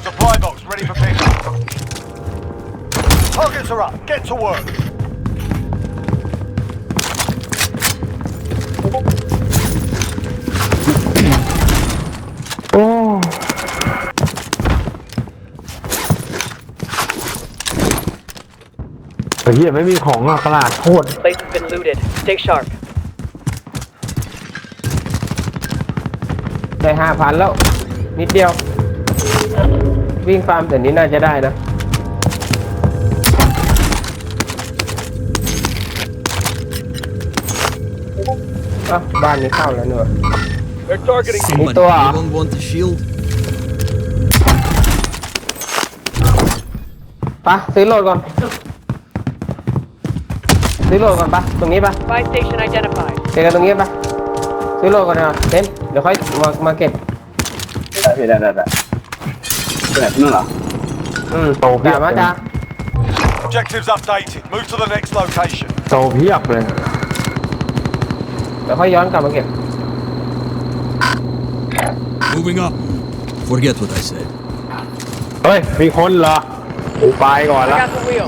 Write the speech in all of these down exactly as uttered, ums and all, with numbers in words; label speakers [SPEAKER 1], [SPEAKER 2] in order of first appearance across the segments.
[SPEAKER 1] Supply box ready for pickup. Targets are up. Get to work.
[SPEAKER 2] โอ้ไอ้เหี้ยไม่มีของอ่ะตลาดโคตร
[SPEAKER 3] Place has been looted. Stay sharp.
[SPEAKER 4] ได้ห้าพันแล้ว นิดเดียว วิ่งฟาร์มแต่นี้น่าจะได้นะอ่ะบ้านนี้เข้าแล้วเนอะ
[SPEAKER 1] They're targeting me.
[SPEAKER 5] Somebody,
[SPEAKER 4] Ito, ah.
[SPEAKER 5] anyone want a shield?
[SPEAKER 4] ไปะซื้อโหลดก่อน ซื้อโหลดก่อนปะตรงนี้ปะ
[SPEAKER 3] Buy station identified.
[SPEAKER 4] เจอกันตรงนี้ปะซื้อโหลดก่อนนะเต้นเดี๋ยวค่อยมามาเก็บ
[SPEAKER 6] ได้พี่ได้ได้ได้แบบนู้นเหรอ
[SPEAKER 4] อืมโตเพียบมาจ้า
[SPEAKER 1] Objectives updated. Move to the next location.
[SPEAKER 2] โตเพียบเลย
[SPEAKER 4] เดี๋ยวค่อยย้อนกลับมาเก็บ
[SPEAKER 5] Moving up. Forget what I said.
[SPEAKER 2] เฮ้ยมีคนเหรอกูไปก่อน
[SPEAKER 3] I
[SPEAKER 2] ละ
[SPEAKER 3] got the wheel.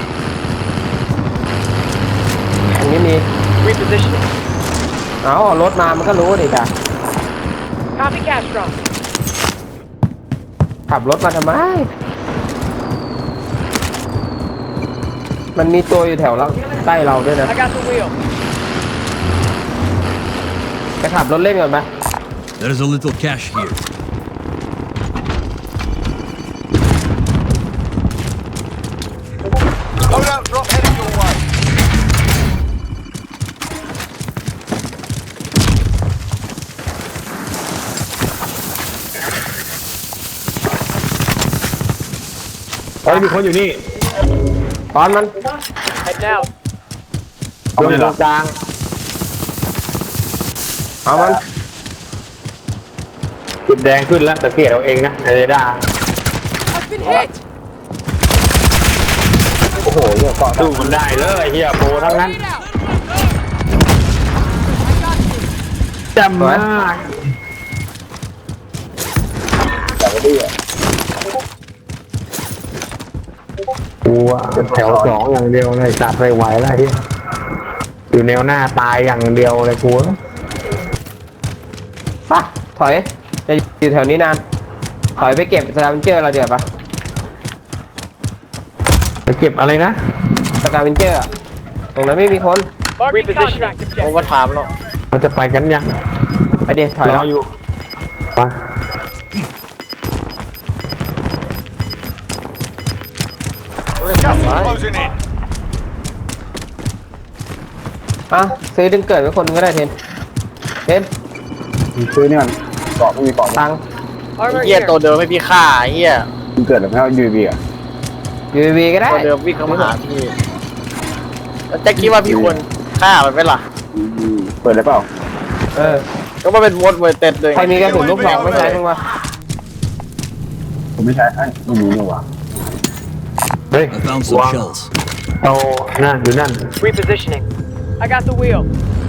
[SPEAKER 4] ตรงนี้มี
[SPEAKER 3] Repositioning.
[SPEAKER 4] เอารถมามันก็รู้ดิจ้ะ
[SPEAKER 3] Copy Castron.
[SPEAKER 4] ขับรถมาทำไม มันมีตัวอยู่แถวเราใต้เราด้วยนะ
[SPEAKER 3] I got the wheel.
[SPEAKER 4] จะขับรถเล่นก่อนไหม
[SPEAKER 5] There's a little cash here.
[SPEAKER 1] Loadout drop heading your way.
[SPEAKER 2] เฮ้ยมีคนอยู่นี่
[SPEAKER 4] ตอนมัน
[SPEAKER 3] Head out.
[SPEAKER 2] เอาไปตรงกลาง
[SPEAKER 4] เอามัน
[SPEAKER 2] จุดแดงขึ้นแล้วแต่เกลียดเอาเองนะไอ้เรดาร์
[SPEAKER 3] I've been hit.
[SPEAKER 2] โอ้โหเนี่ยเกาะสู้มันได้เลยไอ้เฮียโปรทั้งนั้นจำมากกูอะเป็นแถวสองอย่างเดียวเลยจัดไปไหวแล้วไอ้เฮียอยู่แนวหน้าตายอย่างเดียวเลยกู
[SPEAKER 4] ปะถอย จะอยู่แถวนี้นาน ถอยไปเก็บสกาเวนเจอร์เราเดี๋ยวปะ
[SPEAKER 2] ไปเก็บอะไรนะ
[SPEAKER 4] สกาเวนเจอร์อะตรงนั้นไม่มีคน
[SPEAKER 3] Marking contract objective.
[SPEAKER 4] โอเวอร์ไทม์หรอก
[SPEAKER 2] เราจะไปกันยัง
[SPEAKER 4] ไปเดี๋ยวถอย
[SPEAKER 2] ร
[SPEAKER 4] แล้
[SPEAKER 2] อ
[SPEAKER 4] ว
[SPEAKER 2] อยู่ไป
[SPEAKER 1] Gas is closing in.
[SPEAKER 4] อ่ะซื้อดึงเกิดไว้คนนึงก็ได้เทนเทน
[SPEAKER 6] ซื้อนี่มันเกาะไม่มีเกาะ
[SPEAKER 4] ตังค์
[SPEAKER 3] Armor
[SPEAKER 7] เฮีย
[SPEAKER 3] here.
[SPEAKER 7] ตัวเดิมไม่พี่ฆ่าเฮีย
[SPEAKER 6] มันเกิดแบบไม่เอายูบีอ่ะ
[SPEAKER 4] ยูวีก็ได้
[SPEAKER 7] ตัวเดิมวิ่งเข้ามาหาพี่แล้วแจ็คคิดว่าพี่ควรฆ่ามันไหมล่ะ
[SPEAKER 6] เปิดได้เปล่า
[SPEAKER 4] เออ
[SPEAKER 7] ก็มาเป็นวอดเวอร์เต็ดเลย
[SPEAKER 4] ใครมีกระสุนลูกซองไม่ใช้มั้งวะ
[SPEAKER 6] ผมไม่ใช้ไอ้ไม่มีนี่หว่า
[SPEAKER 2] เฮ้ย
[SPEAKER 5] I found some
[SPEAKER 2] วาง
[SPEAKER 5] shells.
[SPEAKER 2] เอานั่นอยู่นั่น
[SPEAKER 3] Repositioning. I got the wheel.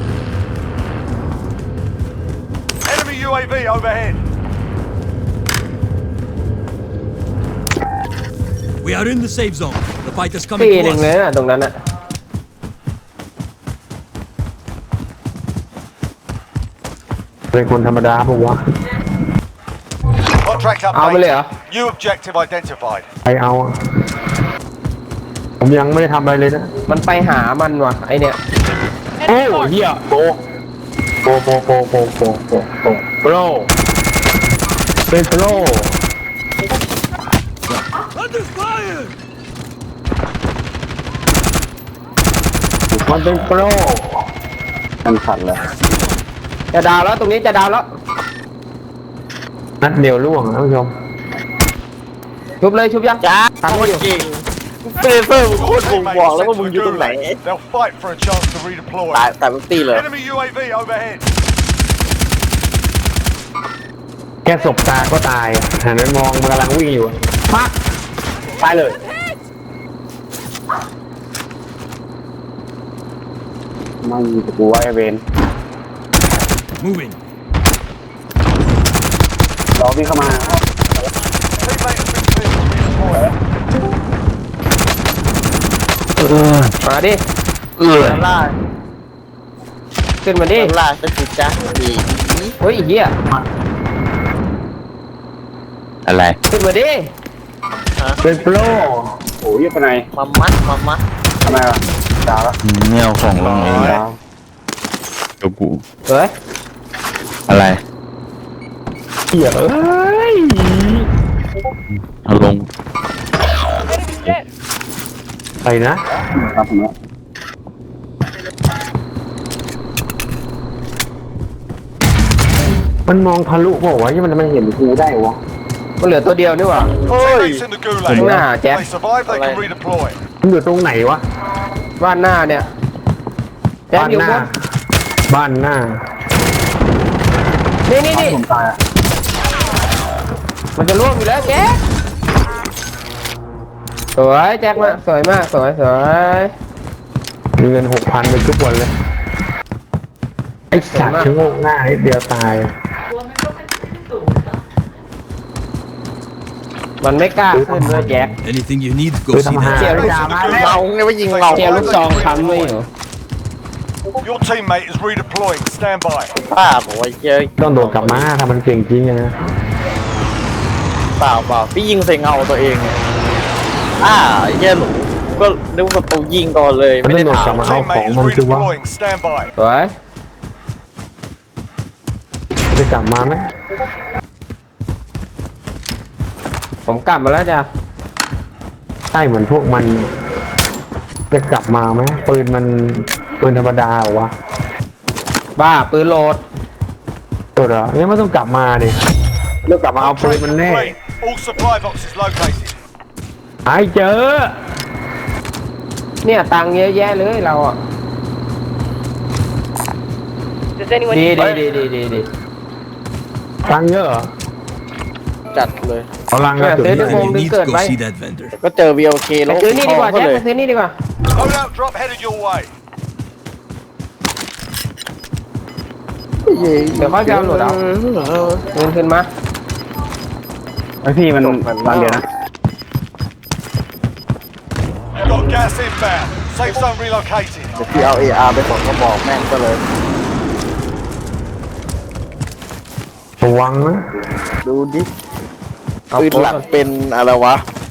[SPEAKER 1] Enemy U A V overhead.
[SPEAKER 5] We are in the safe zone. The fight is
[SPEAKER 4] ปี
[SPEAKER 5] coming
[SPEAKER 4] หนึ่ง
[SPEAKER 5] to
[SPEAKER 4] เลย
[SPEAKER 5] us.
[SPEAKER 4] นะตรงนั้นอะ
[SPEAKER 2] เป็นคนธรรมดาปะวะ
[SPEAKER 1] Contract
[SPEAKER 4] เอาไปเลยเหรอ
[SPEAKER 1] updated. New objective identified.
[SPEAKER 2] ไปเอาอะผมยังไม่ได้ทำอะไรเลยนะ
[SPEAKER 4] มันไปหามันว่ะไอเนี่ย
[SPEAKER 2] โอ้เฮียโปโปโปโปโปโปโปโปโปรเป็นโปร
[SPEAKER 5] Under fire!
[SPEAKER 2] มันเป็นโปร
[SPEAKER 6] มันขัดเลย
[SPEAKER 4] จะดาวแล้วตรงนี้จะดาวแล้ว
[SPEAKER 2] นัดเดียวล่วงนะท่านผู้ชม
[SPEAKER 4] ชุบเลยชุบยัง
[SPEAKER 7] จ้า
[SPEAKER 4] ทำ
[SPEAKER 7] โค
[SPEAKER 4] ไม่
[SPEAKER 7] ต
[SPEAKER 4] อ
[SPEAKER 7] ร
[SPEAKER 4] ยู่
[SPEAKER 7] เก่งเฟเฟอร์มึงโคตรบ่งบอกแล้วว่ามึงอยู่ตรงไหน
[SPEAKER 1] They'll fight for a chance to redeploy.
[SPEAKER 7] ตายตายมึงตีเลย
[SPEAKER 1] Enemy U A V overhead.
[SPEAKER 2] แค่สบตาก็ตายหันไปมองมันกำลังวิ่งอยู่ปักตายเลย
[SPEAKER 6] มันมีตะกูไว้เวน
[SPEAKER 5] Moving.
[SPEAKER 6] รอพี่เข้ามา
[SPEAKER 1] Teammate has been
[SPEAKER 4] มาดิ
[SPEAKER 2] เออ
[SPEAKER 7] ด้านล่าง
[SPEAKER 4] ขึ้นมาดิ
[SPEAKER 7] ด้านล่างก็คือจ้าดี
[SPEAKER 4] เฮ้ยไอ้เหี้ย
[SPEAKER 2] อะไร
[SPEAKER 4] ขึ้นมาดิ
[SPEAKER 2] เป็นโปร
[SPEAKER 6] โอ้ยไปไหน
[SPEAKER 7] มามัดมามัด
[SPEAKER 6] ทำไมวะดาวแล้ว
[SPEAKER 2] ไม่เอาของลงเอง
[SPEAKER 6] ดาว
[SPEAKER 2] เดี๋ยวกู
[SPEAKER 4] เฮ้ย
[SPEAKER 2] อะไรเหี้ยเอ้ยเอาลง
[SPEAKER 3] Enemy dead.
[SPEAKER 2] ไปนะครับ
[SPEAKER 6] ผมนะ
[SPEAKER 2] มันมองทะลุบอกว่าที่มันมันเห็นกูได้วะ
[SPEAKER 4] มันเหลือตัวเดียวนี่หว่า
[SPEAKER 1] Teammates in the
[SPEAKER 4] ข้างหน้า
[SPEAKER 1] gulag.
[SPEAKER 4] แจ็ค
[SPEAKER 1] They survive, they can redeploy.
[SPEAKER 2] มันอยู่ตรงไหนวะ
[SPEAKER 4] บ้านหน้าเนี่ยแจ็ค
[SPEAKER 2] บ้าน
[SPEAKER 4] อยู่
[SPEAKER 2] ห
[SPEAKER 4] บ
[SPEAKER 2] น้าน บ้านหน้า
[SPEAKER 4] นี่นี่นี่
[SPEAKER 6] ผมตายอ่ะ
[SPEAKER 4] มันจะล่วงอยู่แล้วแจ็คสวยแจ็คมากสวยมากสวยสวย
[SPEAKER 2] มีเงินหกพันไปทุกวันเลยไอ้สัตว์ชะโงกหน้านิดเดียวตาย
[SPEAKER 4] มันไม่กล้าขึ้นด้วยแจ็ค
[SPEAKER 5] Anything you need,
[SPEAKER 2] คือ
[SPEAKER 5] go see
[SPEAKER 2] ทำหา
[SPEAKER 5] that.
[SPEAKER 4] เจียว
[SPEAKER 1] Teammates in the
[SPEAKER 7] เรา
[SPEAKER 1] gulag.
[SPEAKER 7] เนี่ยว่ายิงเรา
[SPEAKER 4] เจียวลูกซองค้ำไว้อยู่
[SPEAKER 1] Your teammate is redeploying. Stand by.
[SPEAKER 7] ป้าบอกว่าเจอ
[SPEAKER 2] ต้องโดดกลับมาถ้ามันเก่งจริงอะนะ
[SPEAKER 7] เปล่าเปล่าพี่ยิงใส่เงาตัวเองอ่าเหี้ยหนูก็นึกว่าตัวยิงก่อนเลย
[SPEAKER 2] มัน
[SPEAKER 7] ไม่
[SPEAKER 2] ต้อ
[SPEAKER 7] ได้
[SPEAKER 2] งโดดกลับ
[SPEAKER 7] ถาม
[SPEAKER 2] มาเอาของ
[SPEAKER 1] Teammate is
[SPEAKER 2] มันคือว่า
[SPEAKER 1] redeploying. Stand by.
[SPEAKER 4] สวย
[SPEAKER 2] จะกลับมาไหม
[SPEAKER 4] ผมกลับมาแล้วจ้ะ
[SPEAKER 2] ใช่เหมือนพวกมันจะกลับมาไหมปืนมันปืนธรรมดาเหรอวะ
[SPEAKER 4] บ้าปืนโหลด
[SPEAKER 2] ตัวเหรอเนี่ยไม่ต้องกลับมาดิเลือกกลับมาเอาปืนมันแน่
[SPEAKER 1] Complete. All supply boxes located.
[SPEAKER 2] หายเจอ
[SPEAKER 4] เนี่ยตังค์เยอะแยะเลยเราอ่ะ
[SPEAKER 3] Does anyone
[SPEAKER 4] ดี
[SPEAKER 3] need
[SPEAKER 4] ดี
[SPEAKER 3] money?
[SPEAKER 4] ดีดีดีดี
[SPEAKER 2] ตังค์เยอะเหรอ
[SPEAKER 7] จัดเลย
[SPEAKER 2] เอาลังกระสุน
[SPEAKER 4] เดี๋ยว
[SPEAKER 5] Anything you
[SPEAKER 4] Home
[SPEAKER 5] need,
[SPEAKER 4] Discord,
[SPEAKER 5] go
[SPEAKER 4] right?
[SPEAKER 5] see that vendor.
[SPEAKER 7] ก็เจอ วี โอ เค
[SPEAKER 4] ไป
[SPEAKER 7] แล้ว
[SPEAKER 4] ซื้อนี่ดีกว่า
[SPEAKER 7] ก็
[SPEAKER 4] แจ็ค
[SPEAKER 7] เลย
[SPEAKER 4] ไปซื้อนี่ดีกว่า
[SPEAKER 1] Loadout drop headed your way.
[SPEAKER 4] เดี๋ยวค่อยไปเอาโหลดเอาเงินขึ้นมา
[SPEAKER 6] ไอพี่มันบางเดียวนะ
[SPEAKER 1] You've got gas inbound. Safe zone relocated.
[SPEAKER 7] เดี๋ยวพี่เอา เอ อาร์ ไปสองกระบอกแม่งก็เลย
[SPEAKER 2] ระวังนะ
[SPEAKER 7] ดูดิ
[SPEAKER 4] เอา
[SPEAKER 7] ปืน
[SPEAKER 4] โพส
[SPEAKER 7] หลั
[SPEAKER 4] ต์
[SPEAKER 7] ก
[SPEAKER 4] ก่อน
[SPEAKER 7] เป็นอะไรวะ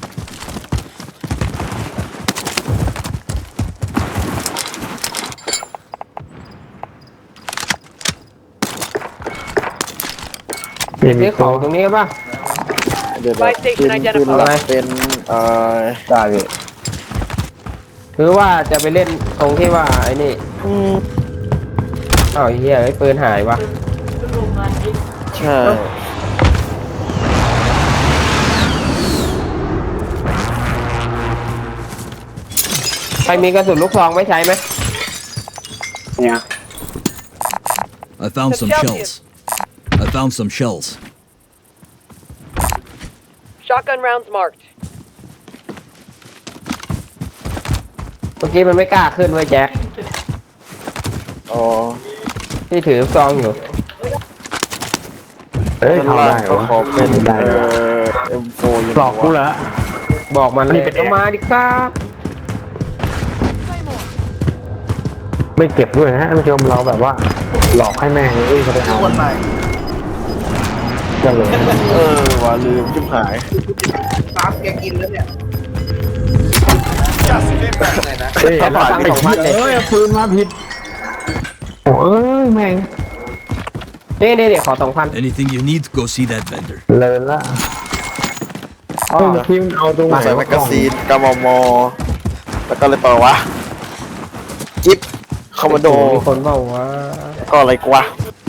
[SPEAKER 2] เปลี่ยน
[SPEAKER 4] ซื้
[SPEAKER 2] อี
[SPEAKER 4] อก ข
[SPEAKER 2] ตั
[SPEAKER 4] อง
[SPEAKER 2] ว
[SPEAKER 4] ตรงนี้ป่ะ
[SPEAKER 7] เดี๋ยว
[SPEAKER 3] Buy
[SPEAKER 7] ๆปื
[SPEAKER 3] station
[SPEAKER 7] น
[SPEAKER 3] identified
[SPEAKER 7] ปืนหลักเป็นเอ่อ
[SPEAKER 6] ได้พี่
[SPEAKER 4] คือว่าจะไปเล่นตรงที่ว่าไอ้นี่อ้าวไอ้เหี้ยไอ้ปืนหายวะ
[SPEAKER 7] ใช่
[SPEAKER 4] ใครมีกระสุนลูกซองไว้ใช้ไหม
[SPEAKER 6] เนี่ย
[SPEAKER 5] I found some
[SPEAKER 3] Some
[SPEAKER 5] shells. I found some shells.
[SPEAKER 3] Shotgun rounds marked.
[SPEAKER 4] เมื่อกี้มันไม่กล้าขึ้นไว้ยแจ็ค
[SPEAKER 7] อ๋อ
[SPEAKER 4] ที่ถือซองอยู่
[SPEAKER 2] เอ้ยทำได้เหร
[SPEAKER 7] ก็
[SPEAKER 2] อ
[SPEAKER 7] ขอเป็น
[SPEAKER 2] ได้
[SPEAKER 7] เอ่
[SPEAKER 2] เหรอ
[SPEAKER 7] อ เอ็ม โฟร์ อยู่
[SPEAKER 2] หลอกกูเหรอ
[SPEAKER 4] บอกมันเล
[SPEAKER 2] นี่
[SPEAKER 4] ย
[SPEAKER 2] เป็น
[SPEAKER 4] เอามาดิครับ
[SPEAKER 2] ไม่เก็บด้วยนะท่านผู้ชมเราแบบว่า หลอกให้แม่งเอ้ยเขาไปเอาจะเลย
[SPEAKER 7] เออว่าลืมชิบหาย
[SPEAKER 1] Gas is inbound.
[SPEAKER 2] เฮ้ย
[SPEAKER 4] เขาบอกตังค์สองพันเลย
[SPEAKER 2] เอ้ยเอาปืนมาผิดโอ้เอ้ยแม่ง
[SPEAKER 4] นี่นี่เดี๋ยวขอสองพัน
[SPEAKER 5] Anything you need, go see that vendor.
[SPEAKER 2] เลินละ
[SPEAKER 4] อ๋อ
[SPEAKER 2] เฮ้ยทีมนเอาตรงไหน
[SPEAKER 7] มาใส่แมกกาซีนกมมแล้วก็อะไรต่อวะ จิ๊บคอมมานโด
[SPEAKER 4] มีคนบอกว่า
[SPEAKER 7] ก็อะไรกวะ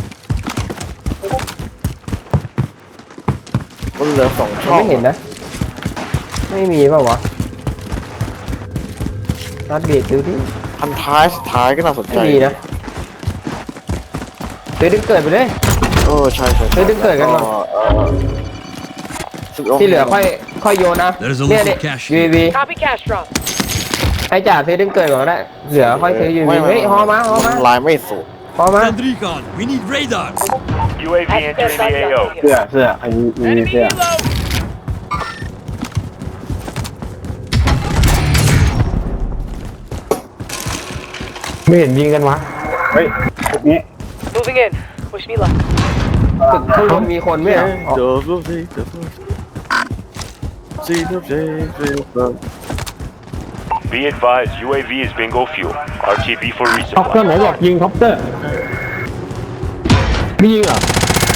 [SPEAKER 7] มันเหลือสองช่อง
[SPEAKER 4] ไม่เห็นนะ ไม่มีเปล่าวะนัดเบียดดูดิ
[SPEAKER 7] พันท้ายสุดท้ายก็น่าสนใจ
[SPEAKER 4] ไม่มีนะเดี๋ยวดึงเกิดไปเลย
[SPEAKER 7] เออใช่ใช่
[SPEAKER 4] เฮ้ยดึงเกิดกันก่อน
[SPEAKER 7] เอ่อสิบง
[SPEAKER 4] ที่เหลือค่อยค่อยโยนนะ
[SPEAKER 5] There's a
[SPEAKER 4] เนี่ย
[SPEAKER 5] little
[SPEAKER 4] เด็ก
[SPEAKER 5] cash
[SPEAKER 4] ยู
[SPEAKER 5] here.
[SPEAKER 4] วี
[SPEAKER 3] Copy cash drop.
[SPEAKER 4] ให้จ่าซื้อดึงเกิดก่อนก็ได้ เหลือค่อยซื้อยู
[SPEAKER 7] ไม่
[SPEAKER 4] วี
[SPEAKER 7] ไม่
[SPEAKER 4] เฮ้ยฮอมาฮอมา
[SPEAKER 7] ลายไม่สุด
[SPEAKER 4] ฮอมา
[SPEAKER 5] Send recon. We need radar.
[SPEAKER 1] U A V entering the A O.
[SPEAKER 6] เสื้อเสื้อใครมีมี
[SPEAKER 3] Enemy
[SPEAKER 6] เสื้อ
[SPEAKER 3] helo.
[SPEAKER 4] เ
[SPEAKER 2] ไม่เห็นยิงกันวะ
[SPEAKER 6] เฮ้ยตรงนี้
[SPEAKER 3] Moving in. Wish me luck.
[SPEAKER 4] ตึกข้างบนมีคนไหมอ่ะอ๋อ
[SPEAKER 8] Be advised, U A V is bingo fuel. R T B for
[SPEAKER 2] ท็อปเตอร์ไหน
[SPEAKER 8] resupply.
[SPEAKER 2] บอกยิงท็อปเตอร์ไม่ยิงเหรอ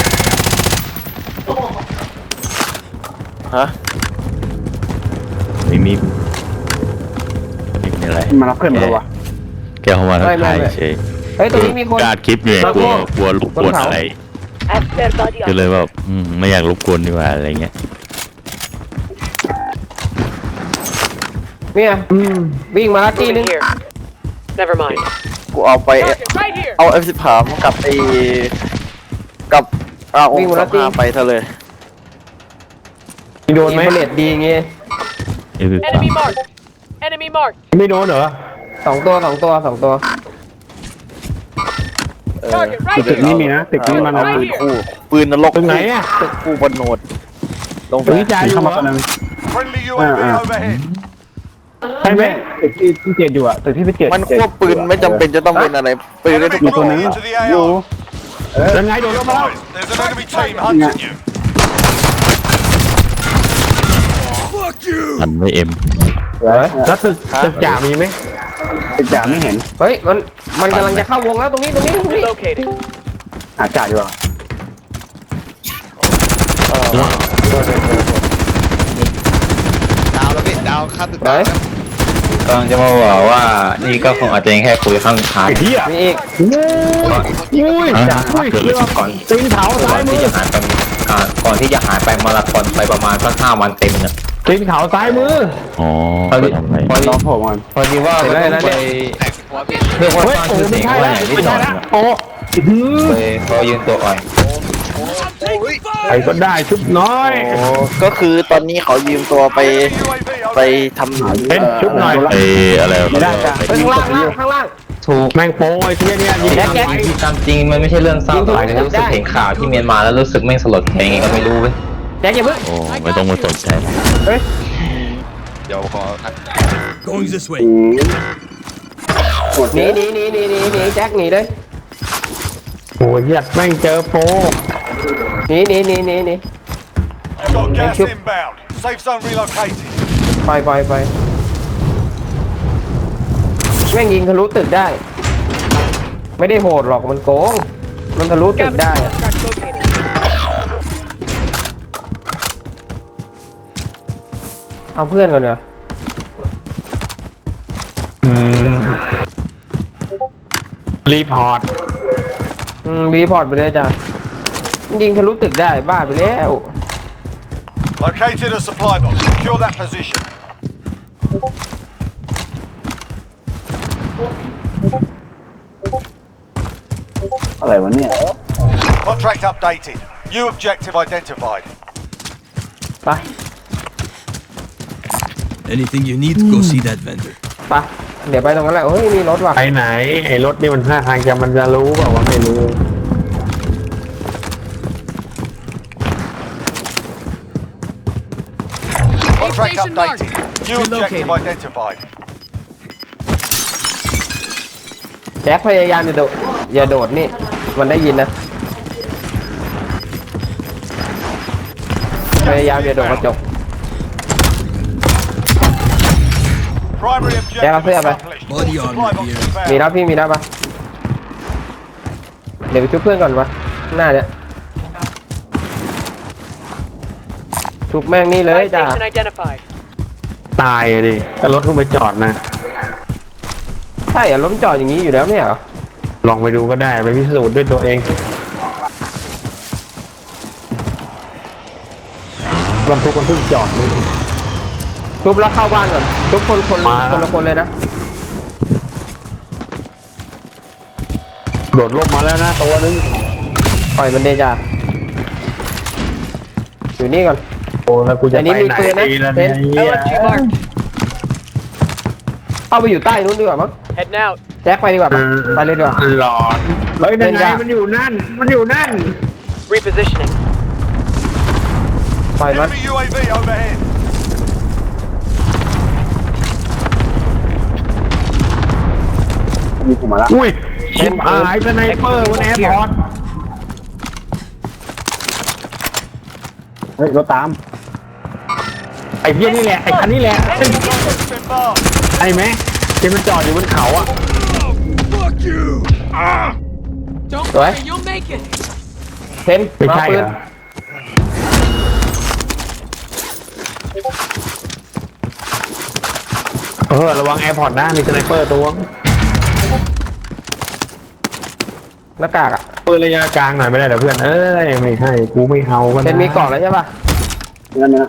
[SPEAKER 7] ฮะ
[SPEAKER 9] ไม่มีไม่มีอะไร
[SPEAKER 6] มารับเพื่อนมาแล้ววะ
[SPEAKER 9] แกเข้ามาทักทายเฉย
[SPEAKER 4] เฮ้ยตรงนี้มีคน
[SPEAKER 9] การคลิปอยู่ไงกลัวกลัวรบกวนอะไร
[SPEAKER 3] As per body
[SPEAKER 9] ก็เลยแบบอืมไม่อยากรบกวนดีกว่าอะไรเงี้ย
[SPEAKER 4] เนี่ยวิ่งมาแล้วทีนึง
[SPEAKER 3] Moving here. Never mind.
[SPEAKER 7] กูเอาไป
[SPEAKER 3] Target right here.
[SPEAKER 7] เอา เอฟ สิบสาม กับไอ้กับอาอง
[SPEAKER 4] วิ่ง
[SPEAKER 7] ค์
[SPEAKER 4] มา
[SPEAKER 7] ส
[SPEAKER 4] แล้
[SPEAKER 7] อ
[SPEAKER 4] ว
[SPEAKER 7] ง
[SPEAKER 4] ตี
[SPEAKER 7] ห้าไปซะเลย
[SPEAKER 2] โดนไหม
[SPEAKER 4] อินเฟลเลตดีเงี้ย
[SPEAKER 9] เอฟ
[SPEAKER 3] Enemy marked. Enemy marked.
[SPEAKER 2] ไม่โดนเหรอ
[SPEAKER 4] สองตัวสองตัวสองตัว
[SPEAKER 3] Target right
[SPEAKER 6] ตึก
[SPEAKER 3] here.
[SPEAKER 6] นี้มีนะตึกนี้มัน
[SPEAKER 7] เอา
[SPEAKER 6] เอา
[SPEAKER 7] ปืนคู่ปืนนรก
[SPEAKER 2] ตรงไหนอ่ะ
[SPEAKER 7] ตึกคู่บนโหนดลงไป
[SPEAKER 2] ตรงนี้จ่ายอยู่
[SPEAKER 6] เข้า
[SPEAKER 2] เหร
[SPEAKER 6] มา
[SPEAKER 2] อ
[SPEAKER 6] คนนึง
[SPEAKER 1] Friendly U A V
[SPEAKER 6] Ah, ah.
[SPEAKER 1] overhead.
[SPEAKER 2] ใช่ไหม
[SPEAKER 6] ตึกที่ที่เจ็ดอยู่อะตึกที่พี่เจ็ด
[SPEAKER 7] มันควบปืนไม่จำเป็นจะต้องเป็นอะไรปืนได้ทุก
[SPEAKER 1] Enemy
[SPEAKER 7] ตัว
[SPEAKER 1] moving into the
[SPEAKER 6] อยู่
[SPEAKER 1] A R.
[SPEAKER 2] ยังไงโดนเข้ามาแล้ว
[SPEAKER 1] There's an enemy team hunting you.
[SPEAKER 9] ทันไม่เอ็ม
[SPEAKER 2] แล้วตึกตึกจ่ามีไหม
[SPEAKER 6] ตึกจ่าไม่เห็น
[SPEAKER 4] เฮ้ยมันมันกำลังจะเข้าวงแล้วตรงนี้ตรงนี้ตรงนี้
[SPEAKER 3] Located.
[SPEAKER 6] หาจ่าอยู่อะ
[SPEAKER 7] ดาวแล้วพี่ดาวข้ามตึก
[SPEAKER 4] ไหน
[SPEAKER 9] กำลังจะมาบอกว่านี่ก็คงอาจจะแค่คุยข้างทาง
[SPEAKER 2] ไอ้เหี้ย
[SPEAKER 4] มีอีก
[SPEAKER 2] อุ้ยจ่าอุ้ยเรือก่อนตีนเผาซ้ายมือ
[SPEAKER 9] ก่อนที่จะหายไปมาราธอนไปประมาณสักห้าวันเต็มเนี่ย
[SPEAKER 2] ตีนเขาซ้ายมือ
[SPEAKER 9] อ๋อ
[SPEAKER 2] พอดี
[SPEAKER 6] พอน้องผมมัน
[SPEAKER 9] พอดีว่า
[SPEAKER 4] เสร็จแล้วนะเนี่ย
[SPEAKER 9] เรียกว่า
[SPEAKER 2] เฮ้ย
[SPEAKER 9] สร้าง
[SPEAKER 2] โอ้
[SPEAKER 9] ชื่อเสี
[SPEAKER 2] ไม่
[SPEAKER 9] ยง
[SPEAKER 2] ใช่
[SPEAKER 9] ไว้
[SPEAKER 2] แล้ว
[SPEAKER 9] อย่างนิด
[SPEAKER 2] ไม่
[SPEAKER 9] หน่
[SPEAKER 2] ใช่
[SPEAKER 9] อย
[SPEAKER 2] แล้วโอ้หือ
[SPEAKER 9] เลยเขายืนตัวอ่อน
[SPEAKER 2] ใครก็ได้ชุบน้อย
[SPEAKER 7] โอ้ก็คือตอนนี้เขายืมตัวไป
[SPEAKER 1] U A V
[SPEAKER 7] ไป
[SPEAKER 1] overhead.
[SPEAKER 7] ทำ
[SPEAKER 2] เป็นชุบหน่อย
[SPEAKER 9] ไออะไร
[SPEAKER 6] ไม่ได้จ่า
[SPEAKER 4] เฮ้ยข้างล่างข้างล่างข้างล่าง
[SPEAKER 9] ถูก
[SPEAKER 2] แม่งโป้ไอ้เที่ยเนี่ยยิง
[SPEAKER 4] แจ็คแจ็ค
[SPEAKER 9] ที่ตามจริงมันไม่ใช่เรื่องเศร้าแต่ว่ารู้สึกเห็นข่าวที่เมียนมาแล้วรู้สึกแม่งสลดใจไงก็ไม่รู้เว้ย
[SPEAKER 4] แจ็คอย่าเพิ่ง
[SPEAKER 9] โอ้ไม่ต้องมาสนใจ
[SPEAKER 5] Going this way.
[SPEAKER 4] หนีหนีหนีหนีหนีหนีแจ็คหนีเลย
[SPEAKER 2] โอ้ยเหี้ยแม่งเจอโป้
[SPEAKER 4] หนีหนีหนีหนีหนี
[SPEAKER 1] You've got gas
[SPEAKER 4] Thank you.
[SPEAKER 1] inbound. Safe zone relocated.
[SPEAKER 4] ไปไปไปแม่งยิงทะลุตึกได้ ไม่ได้โหดหรอกมันโกง มันทะลุตึกได้อะ
[SPEAKER 3] Contract located.
[SPEAKER 4] เอาเพื่อนก่อนเนอะ
[SPEAKER 2] รีพอร์ต
[SPEAKER 4] อืมรีพอร์ตไปเลยจ้ะยิงทะลุตึกได้บ้าไปแล้ว
[SPEAKER 1] Located a supply box. Secure that position.
[SPEAKER 6] อะไรวะเนี่ย
[SPEAKER 1] Contract updated. New objective identified.
[SPEAKER 4] ไป
[SPEAKER 5] Anything you need, go see that vendor.
[SPEAKER 4] ไปเดี๋ยวไปตรงนั้นแหละเฮ้ยมีรถว่ะ
[SPEAKER 2] ไปไหนไอ้รถนี่มันท่าทางจะมันจะรู้เปล่าว่าไม่รู้
[SPEAKER 1] Contract updated. New objective identified.
[SPEAKER 4] แจ็คพยายามอย่าโดดอย่าโดดนี่ มันได้ยินนะ พยายามอย่าโดดกระจก
[SPEAKER 1] Primary
[SPEAKER 4] Yeah, I'll
[SPEAKER 1] objective
[SPEAKER 4] see you, man.
[SPEAKER 1] accomplished.
[SPEAKER 5] Body
[SPEAKER 1] Supply
[SPEAKER 5] armor
[SPEAKER 1] box
[SPEAKER 5] here.
[SPEAKER 4] มี
[SPEAKER 1] inbound.
[SPEAKER 4] รับพี่มีรับปะเดี๋ยวไปช่วยเพื่อนก่อนวะหน้าเนี่ยชุบแม่งนี่เลย
[SPEAKER 3] Buy
[SPEAKER 4] จ้า
[SPEAKER 3] station identified.
[SPEAKER 2] ตายอะดิถ้ารถเพิ่งไปจอดนะ
[SPEAKER 4] ใช่เหรอรถจอดอย่างนี้อยู่แล้วไม่เหรอ
[SPEAKER 2] ลองไปดูก็ได้ไปพิสูจน์ด้วยตัวเองลำทุกคนเพิ่งจอดนี่
[SPEAKER 4] ชุบแล้วเข้าบ้านก่อนชุบคนคน
[SPEAKER 2] มา
[SPEAKER 4] คนละคนเลยนะ
[SPEAKER 2] โดดร่มมาแล้วนะตัวนึง
[SPEAKER 4] ปล่อยมันเดจ้าอยู่นี่ก่อน
[SPEAKER 2] โอ้แล้วกูจะ
[SPEAKER 4] อันนี้
[SPEAKER 2] ไป
[SPEAKER 4] มี
[SPEAKER 2] ไหน
[SPEAKER 4] ปืนนะ
[SPEAKER 2] ดีล่ะ
[SPEAKER 4] เห็
[SPEAKER 2] เนี่ย
[SPEAKER 4] น
[SPEAKER 3] L M G marked.
[SPEAKER 4] เข้าไปอยู่ใต้นู้นดีกว่ามั้ง
[SPEAKER 3] Heading out.
[SPEAKER 4] แจ็คไปดีกว่าปะไปเลยดีกว่า
[SPEAKER 2] หลอดเฮ้ยนั่นไงมันอยู่นั่น มันอยู่นั่น
[SPEAKER 3] Repositioning.
[SPEAKER 4] ปล่อยมัน
[SPEAKER 1] Enemy U A V overhead.
[SPEAKER 6] มีผมมาละ
[SPEAKER 2] อุ้ยชิบหายสไนเปอร์บนแอร์พอร์ต
[SPEAKER 6] เฮ้ยรถตาม
[SPEAKER 2] ไอ้เพี้ยนี่แหละไอ้คันนี่แหละ
[SPEAKER 1] Enemy target's been marked.
[SPEAKER 2] ไอ้ไหมที่มันจอดอยู่บนเขาอ่ะ
[SPEAKER 5] Fuck you!
[SPEAKER 3] Don't
[SPEAKER 4] What?
[SPEAKER 3] worry, you'll make it.
[SPEAKER 4] เทน
[SPEAKER 2] ไม่
[SPEAKER 4] มา
[SPEAKER 2] ใช่
[SPEAKER 4] ปื
[SPEAKER 2] เห
[SPEAKER 4] น
[SPEAKER 2] รอเออระวังแอร์พอร์ตนะมีสไนเปอร์ตัว
[SPEAKER 4] หน้ากากอ่ะ
[SPEAKER 2] ปืนระยะกลางหน่อยไม่ได้เหรอเพื่อนเอ้ยไม่ให้กูไม่เอากัน
[SPEAKER 4] เทนมีเกาะแล้วใช่ป่ะ
[SPEAKER 6] นั่นนะ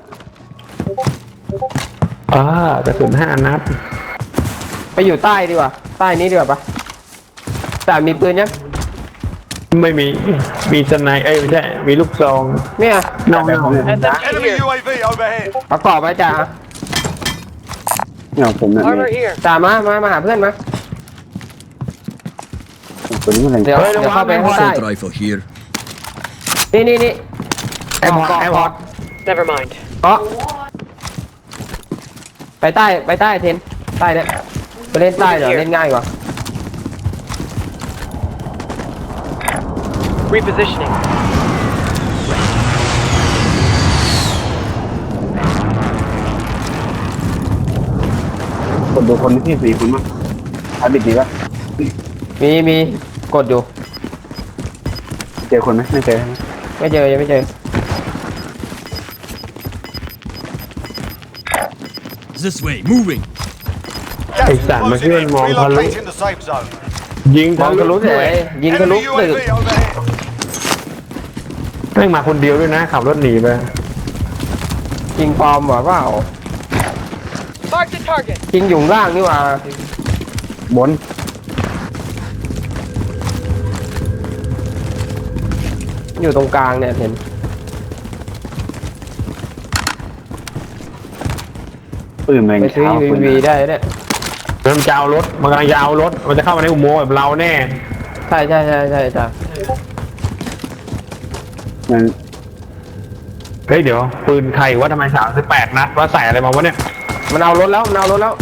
[SPEAKER 2] อ่ากระสุนห้านัด
[SPEAKER 4] ไปอยู่ใต้ดีกว่าใต้นี้ดีกว่าปะแต่มีปืนยัง
[SPEAKER 2] ไม่มีมีสไนเอ้ยไม่ใช่มีลูกซอง
[SPEAKER 4] เนี่ย
[SPEAKER 2] น้องน้อง
[SPEAKER 3] S M G
[SPEAKER 1] Enemy
[SPEAKER 3] here.
[SPEAKER 1] U A V overhead.
[SPEAKER 4] ประกอบไว้จ่า
[SPEAKER 6] เนี่ยผมเนี่ย
[SPEAKER 3] Armor here.
[SPEAKER 4] จ่ามามามาหาเพื่อนมา
[SPEAKER 6] ตัวนี้มันอะไร
[SPEAKER 4] เดี๋ยวเดี๋ยวเข้าไปข้างใต้
[SPEAKER 5] Assault rifle here.
[SPEAKER 4] นี่นี่นี่
[SPEAKER 2] แอร์พอร์ตแอร์พอร์ต
[SPEAKER 3] Never mind.
[SPEAKER 4] เกาะไปใต้ไปใต้เทนใต้เนี่ยไปเล่นใต้เดี๋ยวเล่นง่ายกว่า
[SPEAKER 3] Repositioning.
[SPEAKER 6] คนดูคนที่สี่คนมั้งอาบิดดีป่ะ
[SPEAKER 4] มีมีกดอยู่
[SPEAKER 6] เจอคนไหมไม่เจอ
[SPEAKER 4] ไม่เจอยังไม่เจอ
[SPEAKER 5] This way, moving.
[SPEAKER 1] Gas
[SPEAKER 2] Hey,
[SPEAKER 1] is
[SPEAKER 2] Sam,
[SPEAKER 1] closing
[SPEAKER 2] here
[SPEAKER 1] in.
[SPEAKER 2] in Mont Palu.
[SPEAKER 1] Relocating the safe zone.
[SPEAKER 2] ยิง
[SPEAKER 4] มองทะลุเลยยิงทะลุ
[SPEAKER 1] Enemy U
[SPEAKER 4] ตึ
[SPEAKER 1] A
[SPEAKER 4] ก
[SPEAKER 1] V overhead.
[SPEAKER 2] แม่งมาคนเดียวด้วยนะขับรถหนีไป
[SPEAKER 4] ยิงปลอมเหรอเปล่า
[SPEAKER 3] Mark the target.
[SPEAKER 4] ยิงอยู่ข้างล่างนี่หว่า
[SPEAKER 6] บน
[SPEAKER 4] อยู่ตรงกลางเนี่ยเห็น
[SPEAKER 6] ปืนแมง
[SPEAKER 4] ไปซื้อ
[SPEAKER 6] เช้า
[SPEAKER 4] ยู
[SPEAKER 6] ปืน
[SPEAKER 4] วีได้เนี่ย
[SPEAKER 2] มันจะเอารถมันกำลังจะเอารถมันจะเข้ามาในอุโมงค์แบบเราแน่
[SPEAKER 4] ใช่ใช่ใช่ใช่จ้ะ
[SPEAKER 6] มัน
[SPEAKER 2] เฮ้ยเดี๋ยวปืนใครว่าทำไมสามสิบแปดนัดว่าใส่อะไรมาวะเนี่ย
[SPEAKER 4] มันเอารถแล้วมันเอารถแล้ว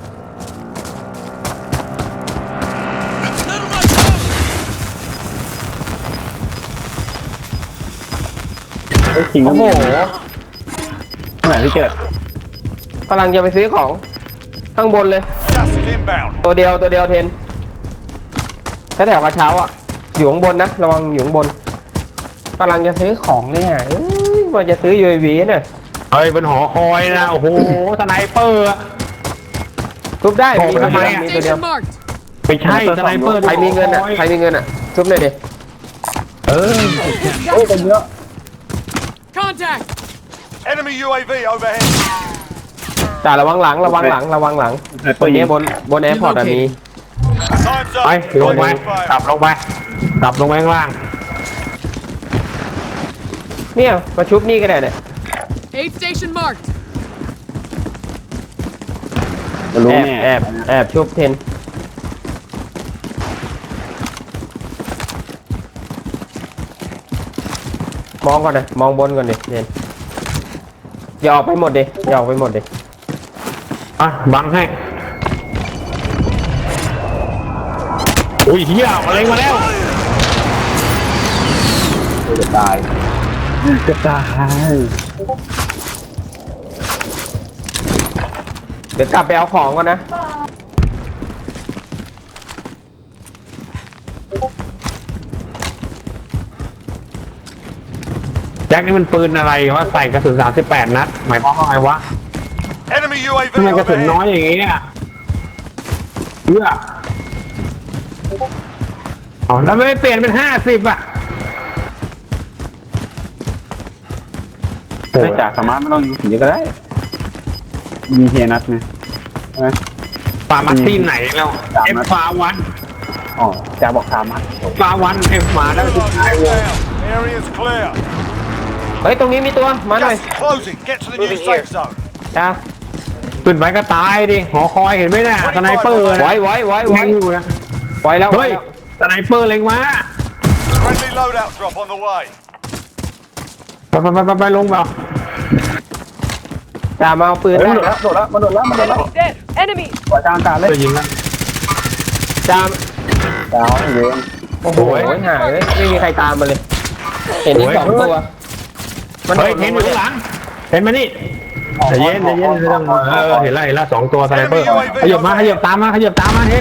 [SPEAKER 6] ไอ้คิงก็
[SPEAKER 4] โอ้
[SPEAKER 6] มี
[SPEAKER 4] โห
[SPEAKER 6] ไหนที่เกิด
[SPEAKER 4] กำลังจะไปซื้อของข้างบนเลย
[SPEAKER 1] Gas is inbound.
[SPEAKER 4] ตัวเดียวตัวเดียวเทนแถวๆกระเช้าอ่ะอยู่ข้างบนนะระวังอยู่ข้างบนกำลังจะซื้อของเนี่ยเอ้ยว่าจะซื้อ ยู เอ วี เนี่ย
[SPEAKER 2] เฮ้ยเป็นหอคอยนะโอ้โหสไนเปอร์อะ
[SPEAKER 4] ทุบได้
[SPEAKER 2] บอก
[SPEAKER 4] มี
[SPEAKER 2] ไป
[SPEAKER 4] ตัว
[SPEAKER 2] ทำไม
[SPEAKER 4] เดียว
[SPEAKER 2] อะ
[SPEAKER 4] มีตัวเดียว
[SPEAKER 3] Station marked.
[SPEAKER 2] ไม่ใช่สไนเปอร์
[SPEAKER 4] ใครมีเงินอ่ะใครมีเงินอ่ะทุบเลยดิ
[SPEAKER 2] เออ
[SPEAKER 6] เฮ้ยเป็นเยอะ
[SPEAKER 3] Contact.
[SPEAKER 1] Enemy U A V overhead.
[SPEAKER 4] จ่าระวังหลังระวังหลังระวังหลังบนนี้บนบนแอร์พอร์ตอะมี
[SPEAKER 1] Time's
[SPEAKER 2] ไป
[SPEAKER 1] up.
[SPEAKER 2] ลงไปกลับลงไปกลับลงไปข้างล่าง
[SPEAKER 4] เนี่ยมาชุบนี่ก็ได้เนี่ย
[SPEAKER 3] Aid station marked.
[SPEAKER 6] จะรู้
[SPEAKER 4] แอบ
[SPEAKER 6] แน่
[SPEAKER 4] แอบแอบชุบเทนมองก่อนนะมองบนก่อนดิเทนอย่าออกไปหมดดิอย่าออกไปหมดดิ
[SPEAKER 2] อ่ะบังให้อุ้ยเฮียอะไรมาแล้ว
[SPEAKER 6] จะตายจะตาย
[SPEAKER 4] เดี๋ยวกลับไปเอาของก่อนนะ
[SPEAKER 2] แจ็คนี่มันปืนอะไรวะใส่กระสุนสามสิบแปดนัดหมายความว่าไงวะ
[SPEAKER 1] Enemy U A V
[SPEAKER 2] ทำไมกระสุนน้อย
[SPEAKER 1] overhead.
[SPEAKER 2] อย่างงี้เนี่ยเพื่ออ๋อแล้วไม่เปลี่ยนเป็นห้าสิบอ่ะ
[SPEAKER 6] ไม่จ่าสามารถไม่ต้องยิงถึงเยอะก็ได้ยิงเฮียนัดไงใช่ไหม
[SPEAKER 2] ป่ามาที่ไหนแล้วเอฟฟ้าวัน
[SPEAKER 6] อ๋อจ่าบอกสามนัด
[SPEAKER 2] ฟ้าวันเอฟมาแล้วสุดท้ายวง
[SPEAKER 1] Down. Area's clear.
[SPEAKER 4] เฮ้ยตรงนี้มีตัวมาหน่อย
[SPEAKER 1] Gas is closing. Get to the new
[SPEAKER 3] Moving
[SPEAKER 1] safe
[SPEAKER 3] here.
[SPEAKER 1] zone.
[SPEAKER 4] จ้า
[SPEAKER 2] ขึ้นไปก็ตายดิหอคอยเห็นไหมเนี่ยสไนเปอร์นะ
[SPEAKER 4] ไว้ไว้ไว้ไว้
[SPEAKER 2] เล็งอยู่นะ
[SPEAKER 4] ไว้แล้วไว้
[SPEAKER 2] เฮ้ย
[SPEAKER 4] แล้ว
[SPEAKER 2] สไนเปอร์เล็งมา
[SPEAKER 1] Friendly loadout drop on the way.
[SPEAKER 2] ไปไปไปไปไปลงเปล่า
[SPEAKER 4] จ่ามาเอาปืน
[SPEAKER 6] เฮ้ย
[SPEAKER 4] ได้
[SPEAKER 6] มันโดดแล้วมันโดดแล้วมันโดดแล้วมันโดดแล้ว
[SPEAKER 3] Enemy dead. Enemy.
[SPEAKER 6] ปล่อยกลางอากาศเลย
[SPEAKER 2] จะยิงแล้ว
[SPEAKER 4] จาม
[SPEAKER 6] ดาวเวน
[SPEAKER 4] โอ้โหหายเลยไม่มีใครตามมาเลย เห็นอีกสองตัวมัน
[SPEAKER 2] เฮ้ยเห็นอยู่ข้างหลังเห็นมานี่ใจเย็นใจเย็นไม่ต้องเออเห็นละเห็นละสองตัวสไนเปอร์ขยับมาขยับตามมาขยับตามมาเห็น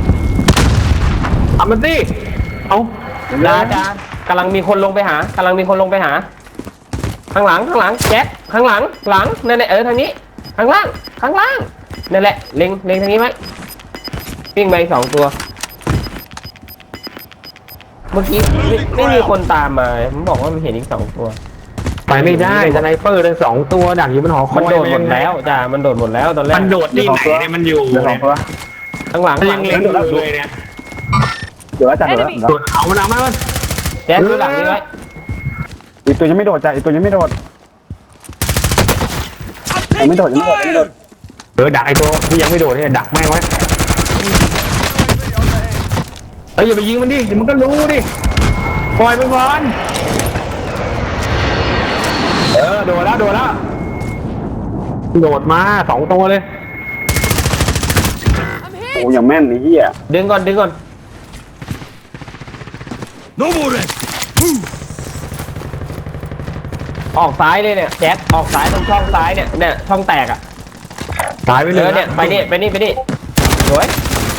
[SPEAKER 2] ทำมันสิเอา
[SPEAKER 4] ดาดากำลังมีคนลงไปหากำลังมีคนลงไปหา ข้างหลังข้างหลังแจ็คข้างหลังหลังนั่นแหละเออทางนี้ข้างล่างข้างล่างนั่นแหละเล็งเล็งทางนี้ไหมวิ่งไปสองตัว เมื่อกี้ไม่ไม่มีคนตามมาผมบอกว่ามันเห็นอีกสองตัว
[SPEAKER 2] ไปไม่ได้สไนเปอร์ทั้งสองตัวดักอยู่บนหอคอ
[SPEAKER 4] มัน
[SPEAKER 2] ย
[SPEAKER 4] โดดหมดแล้วจ้ามันโดดหมดแล้วตอนแรก
[SPEAKER 2] มันโดดที่ไหนเนี่ยมันอยู่
[SPEAKER 6] เดี๋ยวสองตัว
[SPEAKER 4] ข้างหลัง
[SPEAKER 2] มัน
[SPEAKER 4] หลั
[SPEAKER 2] ยัง
[SPEAKER 4] ง
[SPEAKER 2] เล็งอยู่เลยเนี่ย
[SPEAKER 6] เดี๋ยวอาจารย์เดี๋ยว
[SPEAKER 2] โดดเอามันเอามามัน
[SPEAKER 4] แจ็คดูหลังนี้ไว้
[SPEAKER 6] อีกตัวยังไม่โดดจ้ะอีกตัวยังไม่โดดยังไม่โดดยังไม่โดดยังไม่โดด
[SPEAKER 2] เออดักไอ้ตัวที่ยังไม่โดดเนี่ยดักแม่งไว้เฮ้ยอย่าไปยิงมันดิเดี๋ยวมันก็รู้ดิปล่อยมันก่อนเออโดดแล้วโดดแล้วโดดมาสองตัวเลย
[SPEAKER 6] โอ้ยังแม่นไอ้เหี้ย
[SPEAKER 4] ดึงก่อนดึงก่อน
[SPEAKER 5] No more rest. Move.
[SPEAKER 4] ออกซ้ายเลยเนี่ยแจ็คออกซ้ายตรงช่องซ้ายเนี่ยเนี่ยช่องแตกอ่ะ
[SPEAKER 2] ตายไป
[SPEAKER 4] เอ
[SPEAKER 2] เลย
[SPEAKER 4] อเนี่ยไปนี่ไปนี่ไปนี่สวย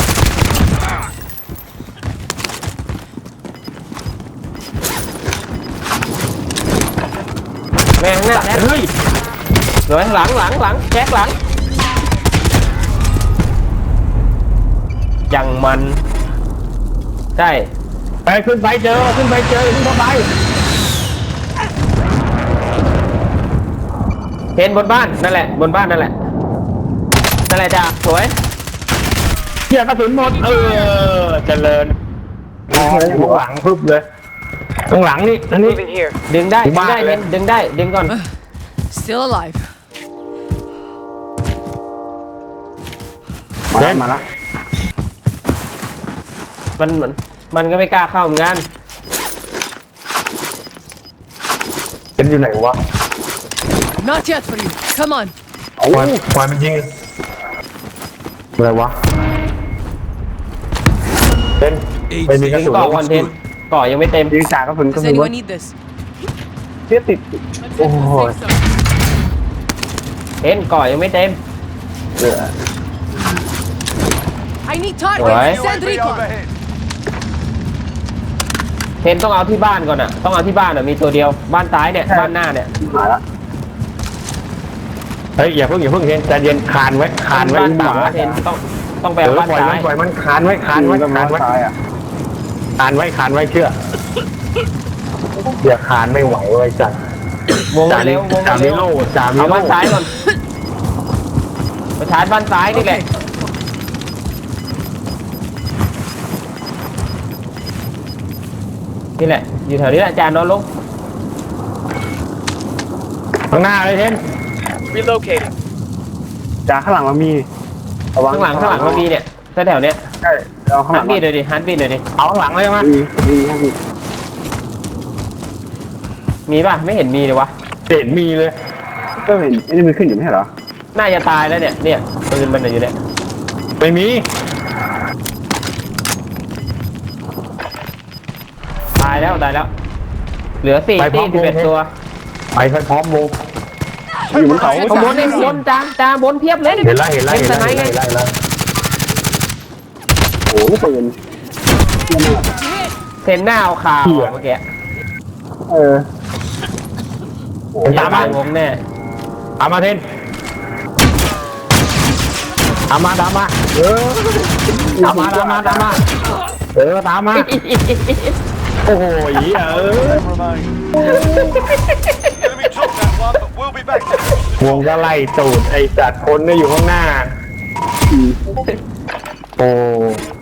[SPEAKER 4] แม่งเนี่ยแจ็ค
[SPEAKER 2] เฮ้ย
[SPEAKER 4] สวยหลังหลังหลังแจ็คหลังยังมันใช่
[SPEAKER 2] ไปขึ้นไปเจอขึ้นไปเจอขึ้นเข้าไป
[SPEAKER 4] เห็นบนบ้านนั่นแหละบนบ้านนั่นแหละนั่นแหละจ้าสวย
[SPEAKER 2] เกี่ยกระสุนหมดเออเจริญข้างหลังพึบเลยข้างหลังนี่อันนี้
[SPEAKER 3] Moving here.
[SPEAKER 4] ดึงได้ดึง
[SPEAKER 2] บ้า
[SPEAKER 4] ได้
[SPEAKER 2] เลย
[SPEAKER 4] เน้นดึงได้ดึงก่อน
[SPEAKER 3] Still alive.
[SPEAKER 6] มาแล้วมาแล้ว
[SPEAKER 4] มันมันมันก็ไม่กล้าเข้าเหมือนกัน
[SPEAKER 2] เป็นอยู่ไหนวะ
[SPEAKER 3] Not yet for you. Come on.
[SPEAKER 2] ควายควายมันยิงอะไรวะเป็นไม่มีกระ
[SPEAKER 4] ยิง
[SPEAKER 2] สุน
[SPEAKER 4] ก่อคอนเทนต์ก่อยังไม่เต็ม
[SPEAKER 6] ยิงจากกระสุนกระ
[SPEAKER 3] Does
[SPEAKER 6] สุน
[SPEAKER 3] anyone need this?
[SPEAKER 6] เทียติด
[SPEAKER 2] โอ้ย
[SPEAKER 4] เห็นก่อยังไม่เต็ม
[SPEAKER 6] เหลือ
[SPEAKER 3] I need
[SPEAKER 4] Alright.
[SPEAKER 3] targets. Send
[SPEAKER 1] U A V
[SPEAKER 3] recon.
[SPEAKER 1] overhead.
[SPEAKER 4] เห็นต้องเอาที่บ้านก่อนอ่ะต้องเอาที่บ้านอ่ะมีตัวเดียวบ้านซ้ายเนี่ยบ้านหน้าเนี่ย
[SPEAKER 6] มาแล้ว
[SPEAKER 2] เฮ้ยอย่าเพิ่งอย่าเพิ่งเห็นใจเย็นคานไว้คานไว้
[SPEAKER 4] บ้าน
[SPEAKER 2] ต่า
[SPEAKER 4] ต่าง เห็นต้องต้องไป
[SPEAKER 2] เอ
[SPEAKER 4] เอา
[SPEAKER 2] อ
[SPEAKER 4] บ้าน
[SPEAKER 2] ปล่อย
[SPEAKER 4] ซ้า
[SPEAKER 2] มัน
[SPEAKER 4] ย
[SPEAKER 2] ปล่อยมันคานไว้คานไว้
[SPEAKER 6] ยิง
[SPEAKER 2] คาน
[SPEAKER 6] ก็
[SPEAKER 2] ไว้
[SPEAKER 6] มาซ้ายอ่ะ
[SPEAKER 2] คานไว้คานไว้เชื่ออย่าคานไม่ไหวไว้จัด
[SPEAKER 4] วง
[SPEAKER 2] จา
[SPEAKER 4] เร็
[SPEAKER 2] นิ
[SPEAKER 4] ววง
[SPEAKER 2] จามิ
[SPEAKER 4] เร็ว
[SPEAKER 2] โลจามิ
[SPEAKER 4] เอา
[SPEAKER 2] โล
[SPEAKER 4] บ้านซ้ายก่อนไปชาร์จบ้านซ้ายนี่แหละนี่แหละอยู่แถวนี้แหละจานนอนลง
[SPEAKER 2] ข้างหน้าเลยเทน
[SPEAKER 3] Relocating.
[SPEAKER 6] จากข้างหลังเรามีระวัง
[SPEAKER 4] ข้างหลังข้างหลังมันมีเนี่ยแถวๆเนี้ย
[SPEAKER 6] ใช่เอาข้างห
[SPEAKER 4] ฮั
[SPEAKER 6] ลั
[SPEAKER 4] น
[SPEAKER 6] ง
[SPEAKER 4] บีดเลยดิฮันบีดเลยดิ
[SPEAKER 2] เอาข้างหลังเลยมั้ย
[SPEAKER 6] มีมีมี
[SPEAKER 4] มีป่ะไม่เห็นมีเลยวะ
[SPEAKER 2] เห็นมีเลย
[SPEAKER 6] ก็เห็นไอ้นี่มันขึ้นอยู่ไม่ใช่เหรอ
[SPEAKER 4] น่าจะตายแล้วเนี่ยเนี่ยปืนมันอยู่เนี่ย
[SPEAKER 2] ไม่มี
[SPEAKER 4] ตายแล้วตายแล้ว เหลือสี่ที่สิบเอ็ดตัว
[SPEAKER 2] ไปไปพร้อมวง
[SPEAKER 6] อยู่บนเขา
[SPEAKER 4] ข้างบนนี่บนจ้าจ้าบนเพียบเลย
[SPEAKER 2] เห็นแล้วเห็นแล้วเห็นแล้วเห็นแล้วเห็นแล้ว
[SPEAKER 6] โอ้โหปืน
[SPEAKER 4] เซนหน้าเอาคาวเมื่อกี้
[SPEAKER 6] เออ
[SPEAKER 4] ตามมาวงแน่
[SPEAKER 2] ตามมาเทนตามมาตามมาเออตามมาตามมาตามมาเออตามมาโอ้โหเออ
[SPEAKER 1] Remain. Enemy took that one, but we'll be back.
[SPEAKER 2] วงก็ไล่ตูดไอสัตว์คนเนี่ยอยู่ข้างหน้า โอ้